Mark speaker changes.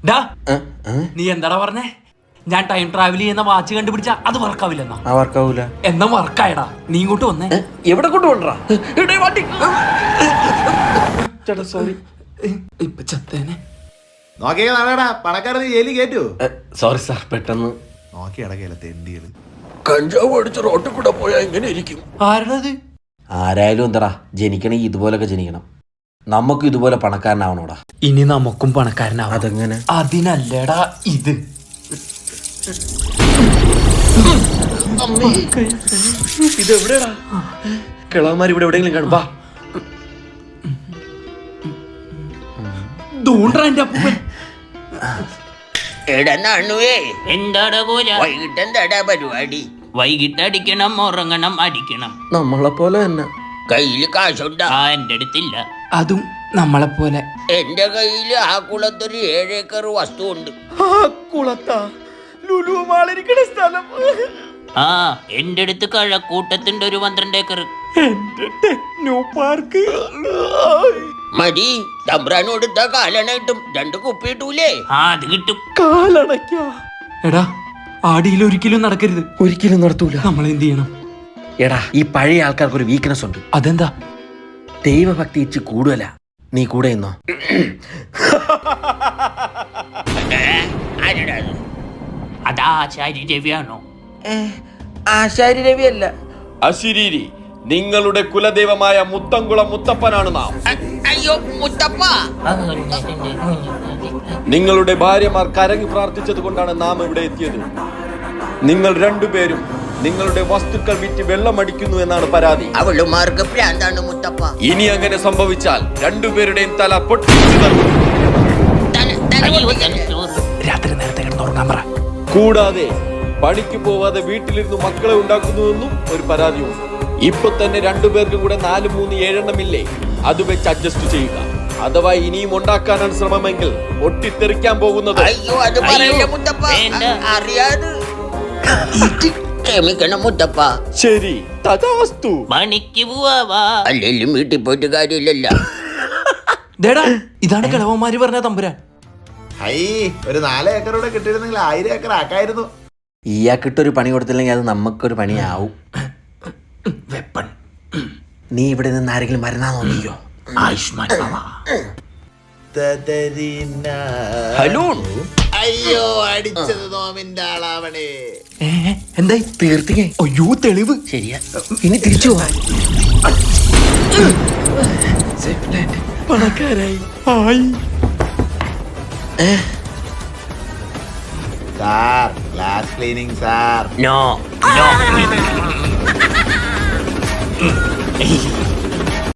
Speaker 1: നീ എന്താടാ പറഞ്ഞേ? ഞാൻ ടൈം ട്രാവൽ ചെയ്യുന്ന വാച്ച് കണ്ടുപിടിച്ച അത് വർക്കാവില്ലെന്നാ?
Speaker 2: വർക്കാവൂല.
Speaker 1: എന്നാ വർക്കായടാ. നീ ഇങ്ങോട്ട് വന്നേ.
Speaker 2: എവിടെ കൊണ്ടുപോണ്ടാ? ചേട്ടാ സോറി.
Speaker 1: ഇപ്പൊ ചത്തേനെ.
Speaker 3: പണക്കാരന് ജയിലിൽ കേറ്റു.
Speaker 2: സോറി സാർ, പെട്ടെന്ന്
Speaker 3: നോക്കി അടക്കല തെണ്ടികള്.
Speaker 2: കഞ്ചാവ് അടിച്ച് റോട്ടിൽ കൂടെ പോയാ എങ്ങനെ ഇരിക്കും?
Speaker 1: ആരാത്?
Speaker 2: ആരായാലും എന്താടാ, ജനിക്കണമെങ്കിൽ ഇതുപോലൊക്കെ ജനിക്കണം. നമുക്ക് ഇതുപോലെ പണക്കാരനാവണോടാ.
Speaker 1: ഇനി നമുക്കും പണക്കാരനാവും.
Speaker 2: അതെങ്ങനെ?
Speaker 1: അതിനല്ലേടാ ഇത്.
Speaker 2: ഇതെവിടെയാടാ? കിളവന്മാർ ഇവിടെ എവിടെയെങ്കിലും കാണും.
Speaker 1: എന്റെ അപ്പൂപ്പൻ.
Speaker 4: എന്താടാ പോരാ?
Speaker 5: വൈകിട്ട് എന്താടാ പരിപാടി?
Speaker 4: വൈകിട്ട് അടിക്കണം, ഉറങ്ങണം, അടിക്കണം.
Speaker 2: നമ്മളെ പോലെ തന്നെ.
Speaker 5: കയ്യില് കാശുണ്ടാ?
Speaker 4: എന്റെ അടുത്തില്ല.
Speaker 1: അതും നമ്മളെ പോലെ.
Speaker 5: എന്റെ കയ്യില് ആ കുളത്തൊരു 7 ഏക്കർ വസ്തു ഉണ്ട്.
Speaker 4: എന്റെ അടുത്ത് കഴക്കൂട്ടത്തിന്റെ ഒരു 12 ഏക്കർ.
Speaker 5: മതി, തമ്പ്രാൻ കൊടുത്ത കാലണയിട്ടും 2 കുപ്പി കിട്ടൂലേ?
Speaker 4: അത് കിട്ടും.
Speaker 1: എടാ, ആടിയിൽ ഒരിക്കലും നടക്കരുത്.
Speaker 2: ഒരിക്കലും നടത്തൂല.
Speaker 1: നമ്മൾ എന്ത് ചെയ്യണം?
Speaker 2: എടാ, ഈ പഴയ ആൾക്കാർക്ക് ഒരു വീക്ക്നെസ് ഉണ്ട്.
Speaker 1: അതെന്താ?
Speaker 2: ദൈവഭക്തി ഇച്ച് കൂടുതലാ. നീ കൂടെ ഇന്നോ?
Speaker 4: അതാ ആചാര്യ രവിയാണോ?
Speaker 2: ആശാരി രവി അല്ല.
Speaker 6: അശരീരി, നിങ്ങളുടെ കുലദൈവമായ മുത്തംകുളം മുത്തപ്പനാണ് നാം.
Speaker 5: അയ്യോ മുത്തപ്പ,
Speaker 6: നിങ്ങളുടെ ഭാര്യമാർ കരങ്ങി പ്രാർത്ഥിച്ചത് കൊണ്ടാണ് നാം ഇവിടെ എത്തിയത്. നിങ്ങൾ രണ്ടുപേരും നിങ്ങളുടെ വസ്തുക്കൾ വിറ്റ് വെള്ളമടിക്കുന്നു എന്നാണ് പരാതി.
Speaker 5: അവളുമാർക്ക് പ്രാന്താണ് മുത്തപ്പ.
Speaker 6: ഇനി അങ്ങനെ സംഭവിച്ചാൽ രണ്ടുപേരുടെയും തല പൊട്ടിച്ചു തരും.
Speaker 1: രാത്രി നേരത്തെ കിടന്നുറങ്ങാൻ പറ.
Speaker 6: കൂടാതെ പണിക്ക് പോവാതെ വീട്ടിലിരുന്ന് മക്കളെ ഉണ്ടാക്കുന്നുവെന്നും ഒരു പരാതിയുണ്ട്. ഇപ്പൊ തന്നെ രണ്ടുപേർക്കും കൂടെ 4, 3, 7 എണ്ണമില്ലേ? അത് വെച്ച് അഡ്ജസ്റ്റ് ചെയ്യുക. അഥവാ ഇനിയും ഉണ്ടാക്കാനാണ് ശ്രമമെങ്കിൽ പൊട്ടിത്തെറിക്കാൻ പോകുന്നത്.
Speaker 5: അയ്യോ അത് പറയില്ല മുത്തപ്പ, അറിയാതെ. ക്ഷമിക്കണം മുത്തപ്പ.
Speaker 6: ശരി, തഥാസ്തു.
Speaker 4: പണിക്ക് പോവാ.
Speaker 5: അല്ലെങ്കിലും വീട്ടിൽ പോയിട്ട് കാര്യമില്ലല്ല.
Speaker 1: ഇതാണ് കിളവന്മാര് പറഞ്ഞ തമ്പുരാൻ.
Speaker 3: ഒരു 4 ഏക്കറോടെ കിട്ടിയിരുന്നെങ്കിൽ 1000 ഏക്കർ ആക്കായിരുന്നു.
Speaker 2: ഇയാൾക്കിട്ടൊരു പണി കൊടുത്തില്ലെങ്കിൽ അത് നമുക്കൊരു പണിയാവും.
Speaker 1: വെപ്പൺ.
Speaker 2: നീ ഇവിടെ നിന്ന് ആരെങ്കിലും മരുന്നാ നോക്കിയോ?
Speaker 1: ആയുഷ്മാൻ.
Speaker 2: ഹലോ.
Speaker 3: അയ്യോ, അടിച്ചത് നോമിന്റെ ആളാവണേ.
Speaker 1: എന്തായി?
Speaker 2: തീർത്തിക്കേ.
Speaker 1: അയ്യോ, തെളിവ്.
Speaker 2: ശരിയാ, ഇനി തിരിച്ചു പോവാ.
Speaker 1: പണക്കാരായി.
Speaker 3: Sir, glass cleaning sir.
Speaker 4: No.